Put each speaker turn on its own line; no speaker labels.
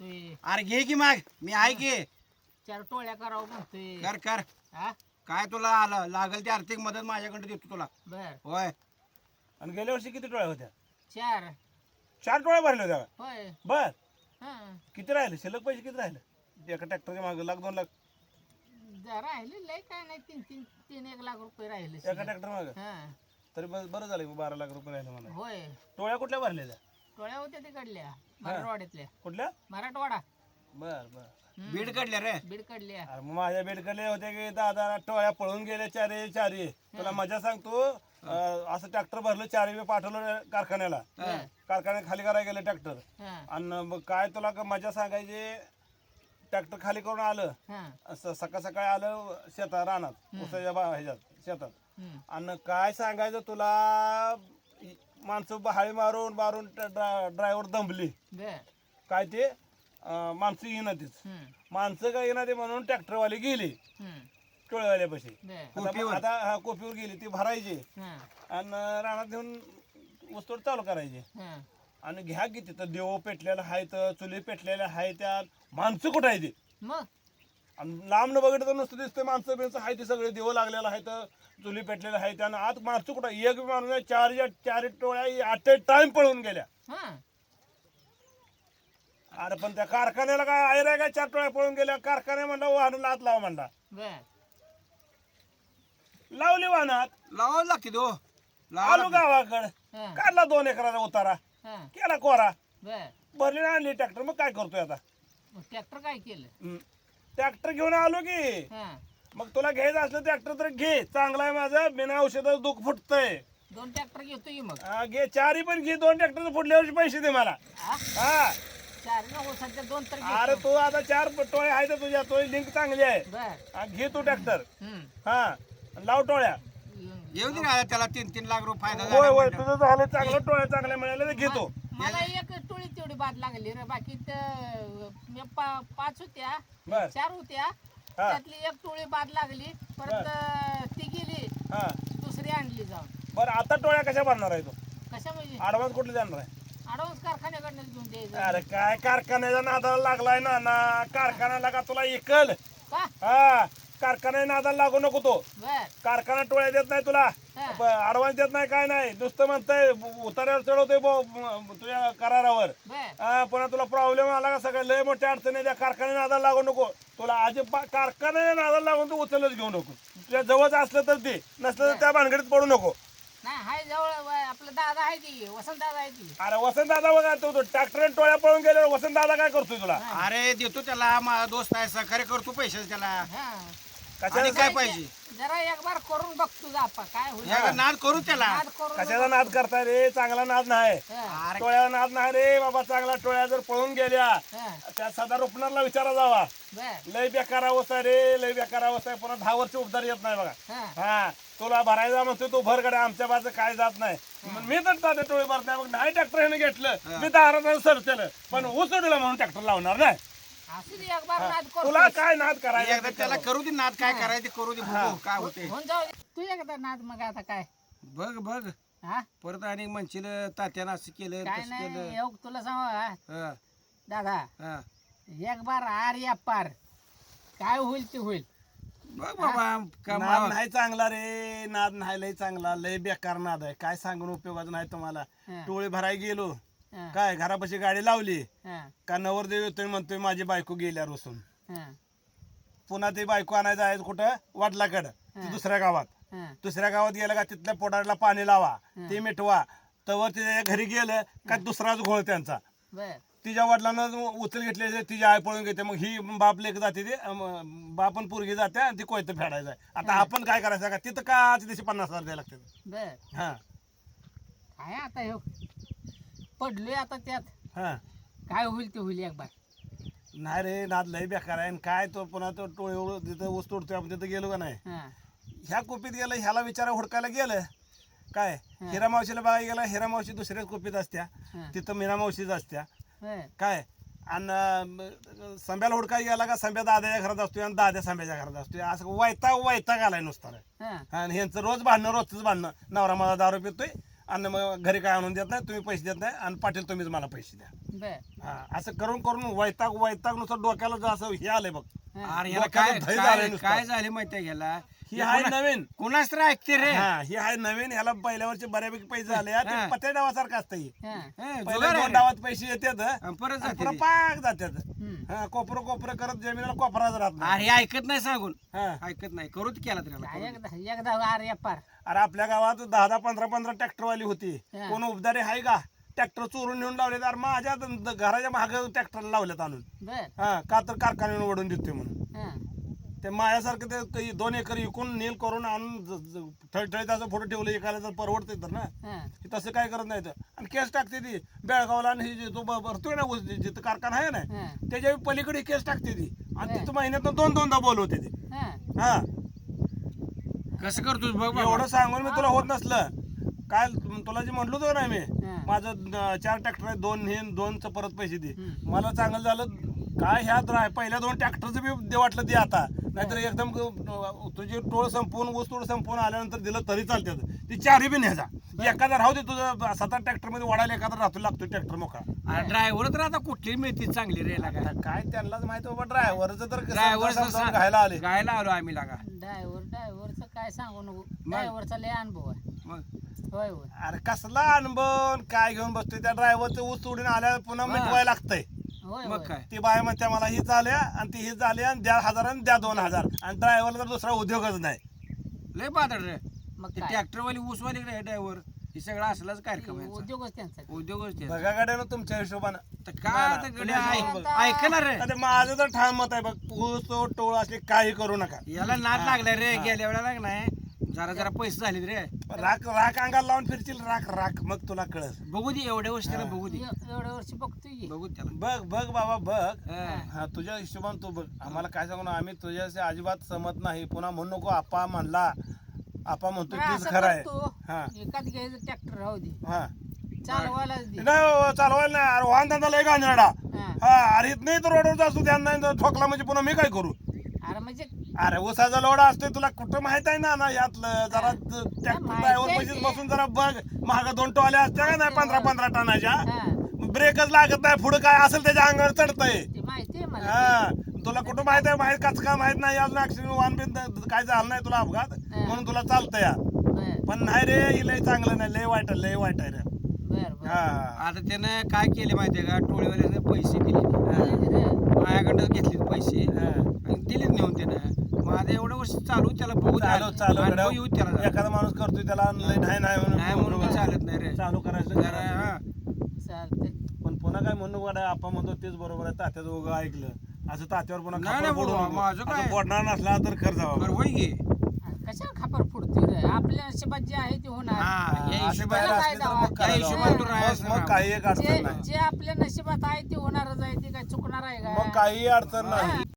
म्हणतोय
अरे घे की मग मी आहे की
4 टोळ्या करावं म्हणतोय
कर कर
हा
काय तुला लागेल ती आर्थिक मदत माझ्याकडे देतो तुला
बर
होय.
आणि गेल्या वर्षी किती टोळ्या होत्या?
4
4 टोळ्या भरल्या होत्या का?
होय
बर
हा
किती राहिले शिल्लक पैसे किती राहिले एका ट्रॅक्टरच्या मागे 1,00,000 2,00,000
राहिले लय काय नाही 3 1 लाख रुपये राहिले
एका
शिल्लक.
ट्रॅक्टर मागे
हा
तरी बरं झालं 12 लाख रुपये राहिले मला.
होय
टोळ्या कुठल्या भरल्या त्या?
टोळ्या होत्या तिकडल्या मराठवाड्यातल्या
कुठल्या?
मराठवाडा
बर बर
बीड काढल्या रे
बीड कडल्या
अरे मग माझ्या बेडकडे होते की 10 टोळ्या पळून गेले चारी तुला मजा सांगतो असं ट्रॅक्टर भरलं 4 पाठवलं कारखान्याला कारखान्यात खाली करायला गेले ट्रॅक्टर
हा
आणि मग काय तुला मजा सांगायची ट्रॅक्टर खाली करून आलं
हा
असं सकाळी आलं शेतात रानात उसाच्या ह्याच्यात शेतात
हम्म.
आणि काय सांगायचं तुला माणसं हाळी मारून ड्रायव्हर दंबली
बर
काय ते माणसं येईना तीच माणसं काय येईना ते म्हणून ट्रॅक्टरवाले गेली टोळेवाल्यापाशी
बर
आता हा कोपीवर गेली ती भरायची
हा
आणि रानात घेऊन वस्तू चालू करायची
हा
आणि घ्या की तिथं देव पेटलेलं आहे तर चुली पेटलेल्या आहे त्यात माणसं कुठं आहे ते
मग
आणि लांब न बघितलं तर नुसतं दिसतं माणसं बिणसं आहे ते सगळे देव लागलेलं आहे तर चुली पेटलेलं आहे त्यानं आत माणसं कुठं एक माणूस 4 टोळ्या ॲट ए टाइम पळून गेल्या.
हा
अरे पण त्या कारखान्याला काय आहे रे काय 4 टोळ्या पळून गेल्या कारखान्या म्हणला वाहन लात लावा म्हणला
बर
लावली वाहनात
लावावं लागते तो
आलो गावाकडं
हा
काढला 2 एकराचा उतारा
हा
केला कोरा
बर
भरली ना आणली ट्रॅक्टर मग काय करतोय आता
मग ट्रॅक्टर काय केलं
ट्रॅक्टर घेऊन आलो की
हा
मग तुला घ्यायचं असलं ट्रॅक्टर तर घे चांगला आहे माझं बिना औषधाचं दुःख फुटतंय
2 ट्रॅक्टर घेतो की मग
हा, घे 4 पण घे 2 ट्रॅक्टर फुटल्या वर्षी पैसे दे मला
हा
हा
4 नको सध्या 2 तर
अरे
घेतो
तू आता 4 टोळे आहे तर तुझ्या तो लिंक चांगली आहे
बर
हा, घे तू ट्रॅक्टर
हम्म
हा लाव टोळ्या
येऊ दे ना त्याला 3 लाख रुपये फायदा
होय होय
झाला
तुझं झालं चांगलं टोळ्या चांगल्या मिळाल्या तर घेतो
मला एक टोळी तेवढी बाद लागली रे बाकी मी 5 होत्या
बर
4 होत्या
हा.
त्यातली एक टोळी बाद लागली परत ती गेली
हा
दुसरी आणली जाऊन
बरं आता टोळ्या कशा भरणार आहे तू
कशा म्हणजे
ऍडव्हान्स कुठले जाणार आहे
ॲडव्हान्स कारखान्याकडनं घेऊन द्यायचं
अरे काय कारखान्याचा नादाला लागलाय ना कारखान्याला का तुला इकल
का
हा कारखान्या नादाला लागू नको तो
बर
कारखाना टोळ्या देत नाही तुला
हा.
ऍडव्हान्स देत नाही काय नाही नुसतं म्हणतंय उतार्यावर चढवतोय तुझ्या करारावर
बर
हा पुन्हा तुला प्रॉब्लेम आला का सगळ्या लय मोठ्या अडचणी त्या कारखान्याच्या नादाला लागू नको तुला अजिबात कारखान्याच्या नादाला लागून तू उचलच घेऊ नको तुझ्या जवळच असलं तर ते नसलं तर त्या भानगडीत पडू नको
नाही हाय जवळ आपलं दादा आहे ती वसंत दादा आहे ती
अरे वसंत दादा बघा तू ट्रॅक्टर टोळ्या पळून गेल्यावर वसंत दादा काय करतोय तुला
अरे देतो त्याला माझा दोस्त आहे सहकार्य करतो पैसे त्याला
हा
आणि
कशाचा
काय पाहिजे
जरा एक बार करून बघ तुझा आपा काय होईल
या नाद करू त्याला
नाद करून
कशाचा नाद करताय रे चांगला नाद नाही
हा,
अरे
टोळ्या नाद नाही रे बाबा चांगला टोळ्या जर पळून गेल्या
हा,
त्या सदा रुपणारला विचारा जावा
बर
लय बेकार अवस्था आहे रे लय बेकार अवस्था आहे पुन्हा 10 वर्ष उपदार येत नाही बघा
हा
हा तुला भरायचा म्हणतो तू भर कडे आमच्या बाजू काय जात नाही मग मी तर तात्या टोळी भरत नाही मग नाही ट्रॅक्टर ह्याने घेतलं मी दारात सरतेलं पण ऊस उडीला म्हणून ट्रॅक्टर लावणार नाही
असू दे एक बार नाद करू
तुला काय नाद
एकदा
करायचा
त्याला करू दे नाद काय करायचं ते करू दे बघू काय होते
होऊन जाऊ दे तू एकदा नाद मग आता काय
बघ बघ
हा
परत आणि म्हणशील तात्यानं असं केलं
काय
तसं
नाही
केलं
योग तुला सांग
हा,
दादा
हा.
एक बार आर या पार काय होईल ते होईल
बघ बाबा
नाद
कमाल
नाही चांगला रे नाद नाही लय चांगला लय बेकार नाद आहे काय सांगून उपयोगाचं नाही तुम्हाला
हा.
टोळी भराय गेलो
हा,
काय घरापाशी गाडी लावली
हा,
का नवरदेव येतोय म्हणतोय माझी बायको गेल्या रोसून
हा,
पुन्हा ते बायको आणायचं आहे कुठं वडिलाकडं ती दुसऱ्या गावात
हा,
दुसऱ्या गावात गेलं का तिथल्या पोटाला पाणी लावा ते मिटवा तवर तिच्या घरी गेलं का दुसराच घोळ त्यांचा
बर
तिच्या वडिलांना उचल घेतले तिची आई पळून घेते मग ही बाप लेक जाते ते बापन पोरगी जाते आणि ती कोयतं फेडायचं आहे आता आपण काय करायचं का तिथं का तिथे 50,000 द्यायला लागते
बर
हा
काय आता हे पडलोय आता त्यात
हा
काय होईल ते होईल एक बार
नाही रे नाद लय बेकार आहे आणि काय तो पुन्हा तो टोळी तिथं ऊस तोडतोय आपण तिथं गेलो का नाही
हा
ह्या कोपीत गेलं ह्याला विचारा हुडकायला गेलं काय हिरा मावशीला बघायला गेला हिरा मावशी दुसऱ्याच कोपीत असत्या
हा.
तिथं मीरा मावशीच असत्या
बर
काय आणि संब्याला हुडकाय गेला का संब्या दाद्याच्या घरात असतोय आणि दाद्या संब्याच्या घरात असतोय असं वैताग आलाय नुसता रे.
हा
आणि ह्यांचं रोज भांडणं रोजच भांडणं नवरा माझा दारू पितोय आणि मग घरी काय आणून देत नाही, तुम्ही पैसे देत नाही, आणि पाटील तुम्हीच मला पैसे द्या.
बर
हा, असं करून करून वैताग नुसार डोक्याला जर असं हे आलंय बघ.
अरे ह्याला
डोक्याला
काय
धै झालंय नुसतं.
काय झाले माहितीये घ्याला
ही आहे नवीन.
कुणाच तर ऐकते रे.
हा, ही आहे नवीन. ह्याला पहिल्या वर्षी बऱ्यापैकी पैसे झाले.
हा.
पत्या डावासारखं असतं हे.
हा.
पहिल्या
जुगार आहे
2
रे.
डावात पैसे येतात
आणि परत
आणि
जाते
पुन्हा
रे.
पाक जातात.
हम्म.
हा, कोपरं करत जमिनीला कोपराच राहत नाही.
अरे ऐकत नाही सांगून
हा.
ऐकत नाही करूच केला त्याला
एकदा अरे पार
अरे आपल्या गावात 10 15 ट्रॅक्टरवाली होती.
हा.
कोण उपदारे आहे का? ट्रॅक्टर चोरून नेऊन लावले. तर माझ्या घराच्या मागे ट्रॅक्टर लावल्यात आणून.
बर
हा, का तर कारखान्यावर ओढून देतोय म्हणून.
हा.
ते माझ्यासारखं ते 2 एकर विकून नील करून आणून ठळठळीत असं फोटो ठेवलं एकाला तर परवडते तर ना.
हा.
हे तसं काय करत नाही तर. आणि केस टाकते ती बेळगावला, आणि ही जो भरतोय ना ऊस, जिथं कारखाना आहे ना
हा.
त्याच्या पलीकडे केस टाकते ती, आणि
हा.
तिथं महिन्यातून 2-2दा बोलवते ती.
हा.
हा,
कसं करतोस बघ बाबा.
एवढं सांगून मी तुला होत नसलं काय तुला जे म्हटलं होतं ना मी,
हा.
माझं 4 ट्रॅक्टर आहे, 2 हे 2चं परत पैसे दे.
हम्म.
मला चांगलं झालं काय ह्या पहिल्या 2 ट्रॅक्टरचं बी दे वाटलं दे आता, नाहीतर एकदम तुझी टोळ संपवून ऊस तोड संपवून आल्यानंतर दिलं तरी चालते. ती 4 बी न्यायचा. एखादा राहू दे तुझं 7-8 ट्रॅक्टर मध्ये वाढायला एखादा राहतो लागतो ट्रॅक्टर मोकळा.
ड्रायव्हर तर आता कुठली मिळते चांगली रे लागा.
आता काय त्यांनाच माहिती बाबा, ड्रायव्हरचं तर
ड्रायव्हर
समजावून घायला आले.
गायला आलो आम्ही लागा.
ड्रायव्हरचं काय सांगू नको. ड्रायव्हरचा लय अनुभव आहे.
मग
होय होय.
अरे कसला अनुभव काय घेऊन बसतोय त्या ड्रायव्हरचं ऊस तोडून आल्या पुन्हा मिटवायला लागतंय.
होय
मग
होय.
काय
ती बाय म्हणते मला ही झाल्या आणि ती ही झाली आणि द्या 1000 आणि द्या 2000, आणि ड्रायव्हरला तर दुसरा उद्योगच नाही.
लय बादड रे.
मग
ते
काय
ट्रॅक्टरवाली ऊसवाली रे ड्रायव्हर हे सगळं असलाच कार्यक्रम आहे यांचा.
उद्योगच त्यांचा.
उद्योगच ते.
बघा गाड्यानं तुमच्या हिशोबानं.
तर काय आता गड्या ऐकणार रे.
आता माझं तर ठाम मत आहे बघ, ऊस टोळ असले काही करू नका.
याला नाद लागलाय रे. गेल्या वेळेला लागलाय जरा पैसे झाले रे.
राख अंगाला लावून फिरतील, राख मग तुला कळत.
बघू दे एवढ्या वर्ष त्याला बघू दे.
एवढ्या वर्षी बघतोय की.
बघू दे त्याला.
बघ बाबा बघ.
हा.
हा, तुझ्या हिशोबान तू बघ. आम्हाला काय सांगू ना, आम्ही तुझ्याशी अजिबात सहमत नाही. पुन्हा म्हणू नको आपा म्हणला, आपा म्हणतो
बरं,
तीच
असं
खरं आहे.
करतो.
हा
एकाच घ्यायचं ट्रॅक्टर राहू दे,
हा,
चालवायलाच दे.
नाही हो, चालवायला नाही. अरे वाहन धंदा लय गांजराडा.
हा.
हा, अरे इथं नाही तर रोडवर असतो ध्यान नाही तर ठोकला म्हणजे पुन्हा मी काय करू.
अरे म्हणजे
अरे उसाचा लोडा असतोय, तुला कुठं माहित आहे ना यातलं. जरा ट्रॅक्टर
माहिती
ड्रायव्हर
आहे
पैसे
की.
बसून जरा बघ. महाग 2 टोल्या असत्या का नाही 15 टनाच्या.
हा.
ब्रेकच लागत नाही, पुढे काय असेल त्याच्या अंगावर चढतंय.
ते माहिती आहे मला.
हा, तुला कुठं माहित आहे, माहित कच का माहित नाही अजून. ऍक्सिडेंट वाहन बिन काय झालं नाही तुला अपघात म्हणून तुला चालतं या.
बर
पण नाही रे, ही लय चांगलं नाही, लय वाईट आहे रे.
बर बर.
हा,
आता त्यानं काय केले माहितीये का, टोळीवाल्याने पैसे दिले.
रे.
माझ्याकडनं घेतले पैसे
हा.
आणि दिलेच नेऊन त्यानं. माझं एवढं वर्ष चालू त्याला बघू द्या.
चालू
अनुभव येऊ त्याला जरा.
एखादा माणूस करतोय त्याला लय नाही
नाही म्हणून
म्हणून
चालत नाही रे.
चालू करायचं
जरा हा.
चालतंय.
पण पुन्हा काय म्हणू वाटाय, आपण म्हणतो तेच बरोबर आहे. तात्याचं उगा ऐकलं असं तात्यावर पुन्हा
नाही,
खापर
नाही
फोडू
बाबा,
नको.
माझं काय?
असं फोडणार नसला तर खर्च
बरं होय गे.
कशाला खापर फुडतोय रे? आपल्या नशिबात जे आहे ते होणार.
हा, या
अशी
हिशोबाने
बाहेर
काय
असली तर
जावा?
मग
त्या
करायला
हिशोबाने तू
हवं.
राहायचं
मग काही एक
जे
अडचण नाही.
जे आपल्या नशिबात आहे ते होणारच आहे. ते काय चुकणार आहे का?
मग काही अडचण नाही.